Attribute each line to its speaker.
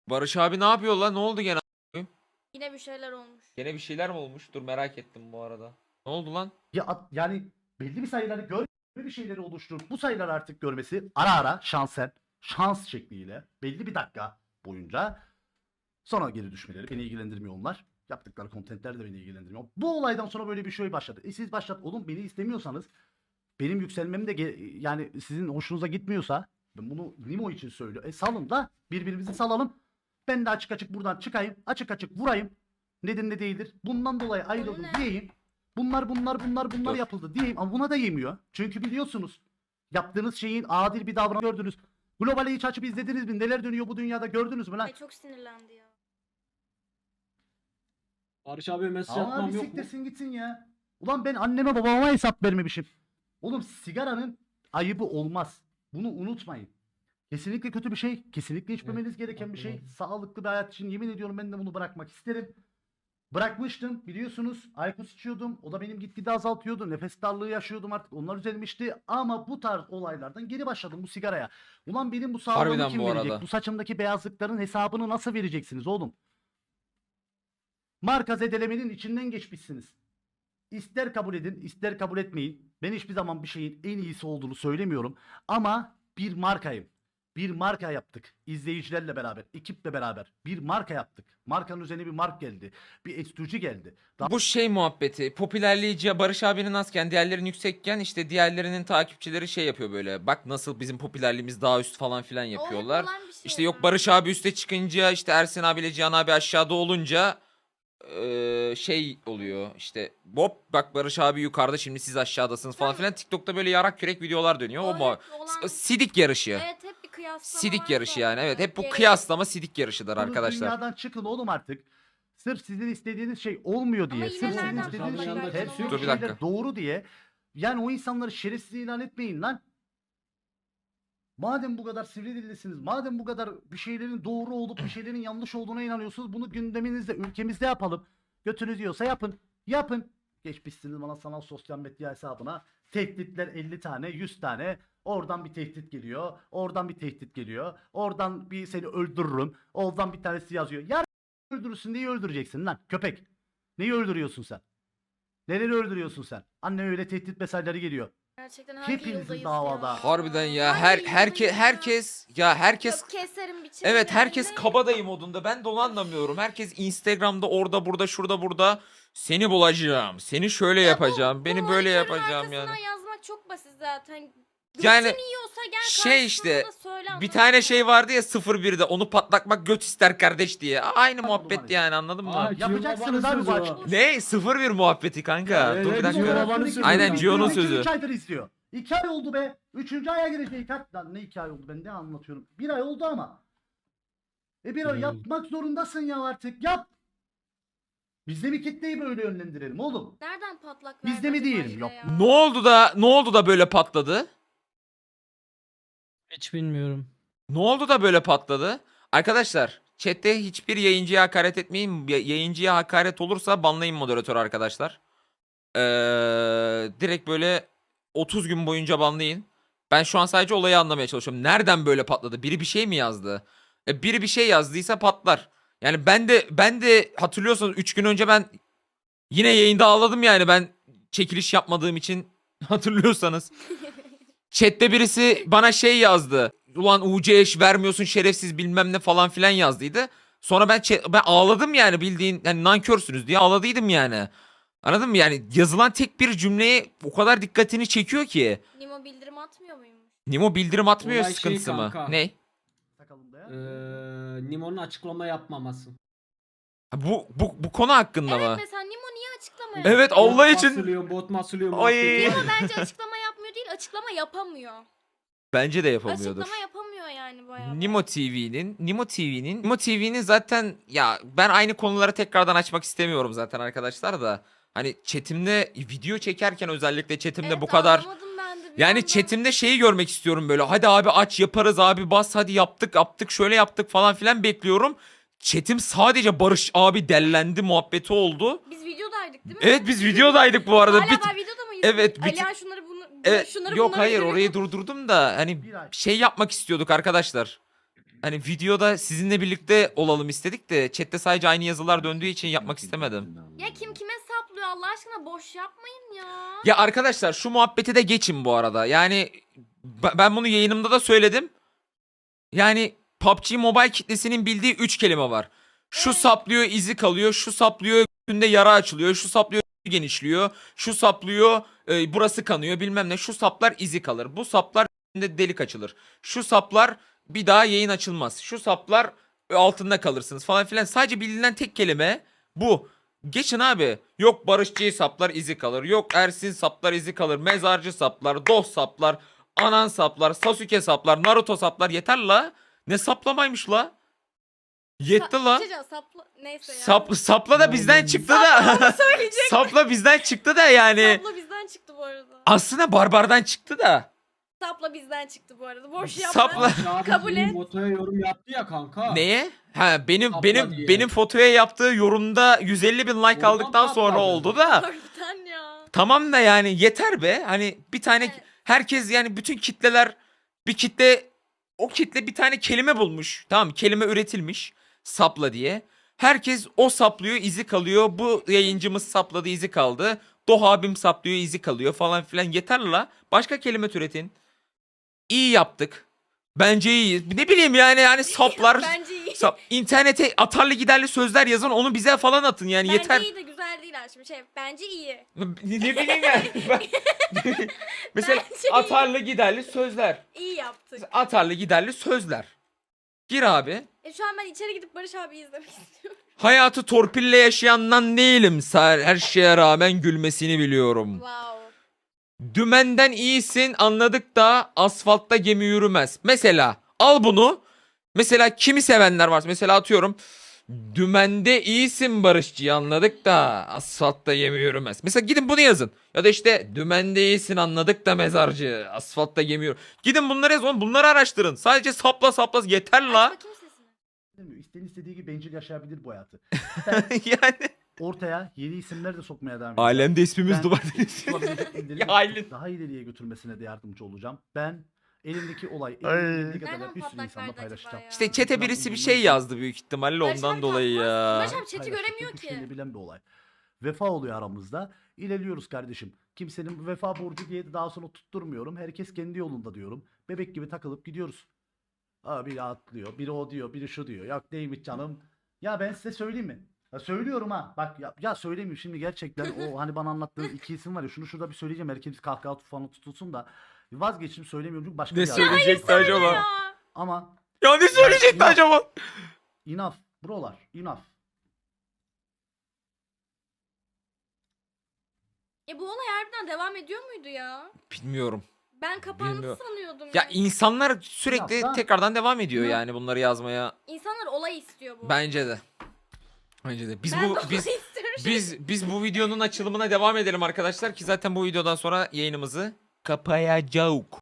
Speaker 1: Barış abi ne yapıyor lan? Ne oldu gene?
Speaker 2: Yine bir şeyler olmuş.
Speaker 1: Gene bir şeyler mi olmuş? Dur merak ettim bu arada. Ne oldu lan?
Speaker 3: Yani belli bir sayıları bir şeyleri oluşturup bu sayıları artık görmesi ara ara şans şekliyle belli bir dakika boyunca sonra geri düşmeleri beni ilgilendirmiyor onlar. Yaptıkları kontentler de beni ilgilendirmiyor. Bu olaydan sonra böyle bir şey başladı. Siz başlat oğlum, beni istemiyorsanız benim yükselmem de yani sizin hoşunuza gitmiyorsa ben bunu Nimo için söylüyorum. Salın da birbirimizi salalım. Ben de açık açık buradan çıkayım. Açık açık vurayım. Nedir ne değildir. Bundan dolayı ayrıldım diyeyim. Bunlar
Speaker 1: Dur.
Speaker 3: yapıldı diyeyim ama buna da yemiyor. Çünkü biliyorsunuz yaptığınız şeyin adil bir davranış gördünüz. Globali hiç açıp izlediniz mi? Neler dönüyor bu dünyada gördünüz mü lan?
Speaker 2: Ay çok sinirlendi ya.
Speaker 4: Barış abi mesaj
Speaker 3: Ama
Speaker 4: atmam
Speaker 3: bir
Speaker 4: yok mu?
Speaker 3: siktirsin gitsin ya. Ulan ben anneme babama hesap vermemişim. Oğlum sigaranın ayıbı olmaz. Bunu unutmayın. Kesinlikle kötü bir şey. Kesinlikle içmemeniz gereken bir şey.
Speaker 4: hatırladım.
Speaker 3: Sağlıklı bir hayat için yemin ediyorum ben de bunu bırakmak isterim. Bırakmıştım biliyorsunuz. Aykos içiyordum. O da benim gitgide azaltıyordu. Nefes darlığı yaşıyordum artık. Onlar düzelmişti. Ama bu tarz olaylardan geri başladım bu sigaraya. Ulan benim bu sağlığımı
Speaker 1: Harbiden
Speaker 3: kim
Speaker 1: bu
Speaker 3: verecek?
Speaker 1: arada.
Speaker 3: Bu saçımdaki beyazlıkların hesabını nasıl vereceksiniz oğlum? Marka zedelemenin içinden geçmişsiniz. İster kabul edin, ister kabul etmeyin. Ben hiçbir zaman bir şeyin en iyisi olduğunu söylemiyorum. Ama bir markayım. Bir marka yaptık. İzleyicilerle beraber, ekiple beraber. Bir marka yaptık. Markanın üzerine bir mark geldi. Bir estücü geldi.
Speaker 1: Bu şey muhabbeti. Popülerliği Barış abinin azken, diğerlerinin yüksekken işte diğerlerinin takipçileri şey yapıyor böyle. Bak nasıl bizim popülerliğimiz daha üst falan filan yapıyorlar.
Speaker 2: olan bir şey
Speaker 1: İşte yok
Speaker 2: ya.
Speaker 1: Barış abi üste çıkınca işte Ersin abiyle Cihan abi aşağıda olunca şey oluyor işte Bob bak Barış abi yukarıda şimdi siz aşağıdasınız falan filan. TikTok'ta böyle yarak kürek videolar dönüyor. O mu?
Speaker 2: hep olan-
Speaker 1: Sidik yarışı.
Speaker 2: Evet hep bir kıyaslama
Speaker 1: Sidik
Speaker 2: var
Speaker 1: yarışı yani.
Speaker 2: zaten.
Speaker 1: Evet hep bu
Speaker 2: Gerek-
Speaker 1: kıyaslama sidik yarışıdır
Speaker 3: Bunu
Speaker 1: arkadaşlar.
Speaker 3: dünyadan çıkın oğlum artık. Sırf sizin istediğiniz şey olmuyor diye.
Speaker 2: Ama yine
Speaker 3: Sırf sizin
Speaker 2: nereden
Speaker 3: istediğiniz
Speaker 4: patlak
Speaker 3: şeyler
Speaker 4: verdiğini
Speaker 3: hepsi
Speaker 4: Dur
Speaker 1: bir dakika.
Speaker 3: doğru diye. Yani o insanları şerefsiz ilan etmeyin lan. Madem bu kadar sivri dillisiniz, madem bu kadar bir şeylerin doğru olup bir şeylerin yanlış olduğuna inanıyorsunuz, bunu gündeminizde, ülkemizde yapalım. Götünüz yiyorsa yapın. Yapın. Geçmişsiniz bana sanal sosyal medya hesabına. Tehditler 50 tane, 100 tane. Oradan bir tehdit geliyor. Oradan bir tehdit geliyor. Oradan bir seni öldürürüm. Oradan bir tanesi yazıyor. Yarın öldürürsün, neyi öldüreceksin lan köpek? Neyi öldürüyorsun sen? Neleri öldürüyorsun sen? Anne öyle tehdit mesajları geliyor.
Speaker 2: Gerçekten hangi
Speaker 3: Hepinizin
Speaker 2: yıldayız
Speaker 3: davada.
Speaker 2: ya?
Speaker 1: Harbiden ya
Speaker 2: Hangi
Speaker 1: herkes
Speaker 2: yıldayız ya?
Speaker 1: herkes
Speaker 2: Yok, keserim biçerim
Speaker 1: evet herkes
Speaker 2: yani.
Speaker 1: kabadayı modunda. Ben de onu anlamıyorum. Herkes Instagram'da orada burada şurada burada seni bulacağım. Seni şöyle yapacağım. Beni böyle yapacağım yani.
Speaker 2: Arkasından yazmak çok basit zaten.
Speaker 1: Yani
Speaker 2: Götün yiyorsa gel
Speaker 1: şey işte,
Speaker 2: karşısında söyle,
Speaker 1: bir
Speaker 2: anladın
Speaker 1: tane
Speaker 2: mı?
Speaker 1: şey vardı ya 01'de onu patlatmak göt ister kardeş diye. Aynı muhabbet
Speaker 3: maalesef.
Speaker 1: yani anladın mı?
Speaker 4: Aa,
Speaker 3: Yapacaksınız
Speaker 4: Cihan
Speaker 3: abi bu
Speaker 4: babanın
Speaker 3: açık.
Speaker 4: sözü
Speaker 1: Ne? 01 muhabbeti kanka.
Speaker 4: Evet,
Speaker 1: Dur bir
Speaker 4: evet,
Speaker 1: dakika.
Speaker 4: Cihan babanın sözü.
Speaker 1: Aynen Gio'nun sözü.
Speaker 3: 3 aydır izliyor. 2 ay oldu be. 3. aya girecek. Lan ne 2 ay oldu, ben ne anlatıyorum. 1 ay oldu ama. Bir ay yapmak zorundasın ya artık. Yap. Biz de bir kitleyi böyle yönlendirelim oğlum.
Speaker 2: Nereden patlak
Speaker 3: Biz de mi
Speaker 2: verdi
Speaker 3: diyelim?
Speaker 2: acaba
Speaker 3: Yok.
Speaker 2: ya?
Speaker 1: Ne oldu da böyle patladı?
Speaker 5: Hiç bilmiyorum.
Speaker 1: Ne oldu da böyle patladı? Arkadaşlar chatte hiçbir yayıncıya hakaret etmeyin. Yayıncıya hakaret olursa banlayın moderatör arkadaşlar. Direkt böyle 30 gün boyunca banlayın. Ben şu an sadece olayı anlamaya çalışıyorum. Nereden böyle patladı? Biri bir şey mi yazdı? Biri bir şey yazdıysa patlar. Yani ben de hatırlıyorsanız 3 gün önce ben yine yayında ağladım yani ben çekiliş yapmadığım için hatırlıyorsanız. Chatte birisi bana şey yazdı. Ulan UC eş vermiyorsun şerefsiz bilmem ne falan filan yazdıydı. Sonra ben ağladım yani bildiğin yani nankörsünüz diye ağladıydım yani. Anladın mı? Yani yazılan tek bir cümleye o kadar dikkatini çekiyor ki.
Speaker 2: Nimo bildirim atmıyor muymuş?
Speaker 1: Nimo bildirim atmıyor
Speaker 4: Olay şey
Speaker 1: sıkıntısı mı?
Speaker 4: kanka.
Speaker 1: Ne?
Speaker 3: Sakalında ya.
Speaker 4: Nimo'nun açıklama yapmaması.
Speaker 1: Ha, bu konu hakkında
Speaker 2: Evet
Speaker 1: mı?
Speaker 2: mesela Nimo niye açıklama
Speaker 1: Evet
Speaker 2: yapmıyor?
Speaker 1: Allah için.
Speaker 4: Bot masılıyor.
Speaker 1: Ay.
Speaker 4: muhabbeti var ya.
Speaker 2: Bence açıklama yapmıyor değil, açıklama yapamıyor.
Speaker 1: Bence de yapamıyordur.
Speaker 2: Açıklama yapamıyor yani bayağı.
Speaker 1: Nimo TV'nin zaten ya ben aynı konuları tekrardan açmak istemiyorum zaten arkadaşlar da. Hani chatimde video çekerken özellikle chatimde
Speaker 2: Evet,
Speaker 1: bu kadar
Speaker 2: anlamadım ben de bir
Speaker 1: yani
Speaker 2: yandan.
Speaker 1: chatimde şeyi görmek istiyorum böyle. Hadi abi aç yaparız abi bas hadi yaptık şöyle yaptık falan filan bekliyorum. Chatim sadece Barış abi dellendi muhabbeti oldu.
Speaker 2: Biz videodaydık değil mi?
Speaker 1: Evet biz videodaydık bu arada.
Speaker 2: Hala ben videoda mıyız?
Speaker 1: Evet,
Speaker 2: Alihan şunları
Speaker 1: Evet,
Speaker 2: şunları
Speaker 1: yok
Speaker 2: bunları
Speaker 1: hayır
Speaker 2: izlemek-
Speaker 1: orayı durdurdum da hani
Speaker 3: Bir ay.
Speaker 1: şey yapmak istiyorduk arkadaşlar. hani videoda sizinle birlikte olalım istedik de chatte sadece aynı yazılar döndüğü için yapmak istemedim.
Speaker 2: Ya kim kime saplıyor Allah aşkına, boş yapmayın ya.
Speaker 1: Ya arkadaşlar şu muhabbeti de geçin bu arada. Yani ben bunu yayınımda da söyledim. Yani PUBG Mobile kitlesinin bildiği 3 kelime var. Şu
Speaker 2: Evet.
Speaker 1: saplıyor, izi kalıyor. Şu saplıyor, üstünde yara açılıyor. Şu saplıyor, genişliyor. Şu saplıyor, burası kanıyor bilmem ne. Şu saplar izi kalır. Bu saplar üstünde delik açılır. Şu saplar bir daha yayın açılmaz. Şu saplar altında kalırsınız falan filan. Sadece bilinen tek kelime bu. Geçin abi. Yok Barışçı saplar izi kalır. Yok Ersin saplar izi kalır. Mezarcı saplar, dost saplar, Anan saplar, Sasuke saplar, Naruto saplar. Yeter la. Ne saplamaymış la? Yetti la.
Speaker 2: Çocuğa sapla neyse ya.
Speaker 1: Sapla da bizden çıktı da. Sapla bizden çıktı da yani.
Speaker 2: Sapla bizden çıktı bu arada.
Speaker 1: Aslında barbardan çıktı da.
Speaker 2: Sapla bizden çıktı bu arada. Boş yapma.
Speaker 1: Sapla.
Speaker 4: Barış abi
Speaker 2: Kabul
Speaker 4: senin
Speaker 2: et.
Speaker 4: Motoya yorum yaptı ya kanka.
Speaker 1: Neye? Ha benim
Speaker 4: Sapla
Speaker 1: benim
Speaker 4: diye.
Speaker 1: benim fotoya yaptığı yorumda 150 bin like
Speaker 4: Oradan
Speaker 1: aldıktan sonra
Speaker 4: patladı.
Speaker 1: oldu da.
Speaker 2: Harbiden ya.
Speaker 1: Tamam da yani yeter be. Hani bir tane
Speaker 2: Evet.
Speaker 1: herkes yani bütün kitleler bir kitle o kitle bir tane kelime bulmuş. Tamam kelime üretilmiş sapla diye. Herkes o saplıyor izi kalıyor. Bu yayıncımız sapladı izi kaldı. Doğa abim saplıyor izi kalıyor falan filan. Yeter la. Başka kelime türetin. İyi yaptık. Bence iyi. Ne bileyim yani saplar.
Speaker 2: Bence iyi.
Speaker 1: İnternete atarlı giderli sözler yazın onu bize falan atın yani
Speaker 2: Bence
Speaker 1: yeter.
Speaker 2: iyi de güzel değil aslında. Bence iyi.
Speaker 1: Ne bileyim yani. Mesela
Speaker 2: Bence iyi.
Speaker 1: atarlı giderli sözler.
Speaker 2: İyi yaptık.
Speaker 1: Atarlı giderli sözler. Gir abi.
Speaker 2: Şu an ben içeri gidip Barış abi izlemek istiyorum.
Speaker 1: Hayatı torpille yaşayandan değilim. Her şeye rağmen gülmesini biliyorum.
Speaker 2: Wow.
Speaker 1: Dümenden iyisin anladık da asfaltta gemi yürümez. Mesela al bunu. Mesela kimi sevenler var. Mesela atıyorum. Dümende iyisin Barışçı anladık da asfaltta gemi yürümez. Mesela gidin bunu yazın. Ya da işte dümende iyisin anladık da mezarcı asfaltta gemi yürümez. Gidin bunları yazın. Bunları araştırın. Sadece sapla yeter
Speaker 2: Aç
Speaker 1: la.
Speaker 2: bakayım sesini.
Speaker 3: İsteyen istediği gibi bencil yaşayabilir bu hayatı.
Speaker 1: Yani.
Speaker 3: Ortaya yeni isimler de sokmaya devam edeceğim.
Speaker 1: Alemde ismimiz
Speaker 3: Ben-
Speaker 1: duvar
Speaker 3: Olabilecek elleri
Speaker 1: Ya Aylin.
Speaker 3: daha ileriye götürmesine de yardımcı olacağım. Ben elimdeki olay
Speaker 1: Ay.
Speaker 3: elimdeki kadar
Speaker 2: Nereden
Speaker 3: bir sürü
Speaker 2: patlak
Speaker 3: insanla
Speaker 2: verdi
Speaker 3: paylaşacağım.
Speaker 2: acaba ya?
Speaker 1: İşte çete birisi bir şey yazdı büyük ihtimalle
Speaker 2: Barış
Speaker 1: ondan
Speaker 2: abi
Speaker 1: dolayı
Speaker 2: kalkmaz.
Speaker 1: ya.
Speaker 2: Barış abi chat'i
Speaker 3: Paylaştık,
Speaker 2: göremiyor
Speaker 3: bu şeyini
Speaker 2: ki.
Speaker 3: bilen bir olay. Vefa oluyor aramızda. İlerliyoruz kardeşim. Kimsenin vefa borcu diye de daha sonra tutturmuyorum. Herkes kendi yolunda diyorum. Bebek gibi takılıp gidiyoruz. Biri atlıyor, biri o diyor, biri şu diyor. Yok neymiş canım. Ya ben size söyleyeyim mi? Ya söylüyorum ha. Bak ya söyleyeyim şimdi gerçekten o hani bana anlattığın iki isim var ya şunu şurada bir söyleyeceğim. Herkes kahkaha falan tutulsun da vazgeçtim söylemiyorum çünkü başka
Speaker 1: Ne
Speaker 3: bir adam.
Speaker 1: söyleyecekti acaba?
Speaker 2: Ya.
Speaker 3: Ama
Speaker 1: Ya ne söyleyecekti
Speaker 3: Ya.
Speaker 1: acaba?
Speaker 3: enough brolar enough.
Speaker 2: Bu olay harbiden devam ediyor muydu ya?
Speaker 1: Bilmiyorum.
Speaker 2: Ben kapandı
Speaker 1: Bilmiyorum.
Speaker 2: sanıyordum.
Speaker 1: Ya insanlar sürekli
Speaker 3: Ya ben-
Speaker 1: tekrardan devam ediyor
Speaker 3: Ya.
Speaker 1: yani bunları yazmaya.
Speaker 2: İnsanlar olay istiyor bu.
Speaker 1: Bence de. Bence de. Biz
Speaker 2: Ben
Speaker 1: bu
Speaker 2: de olay
Speaker 1: biz
Speaker 2: istiyorum.
Speaker 1: biz bu videonun açılımına devam edelim arkadaşlar ki zaten bu videodan sonra yayınımızı kapayacağız.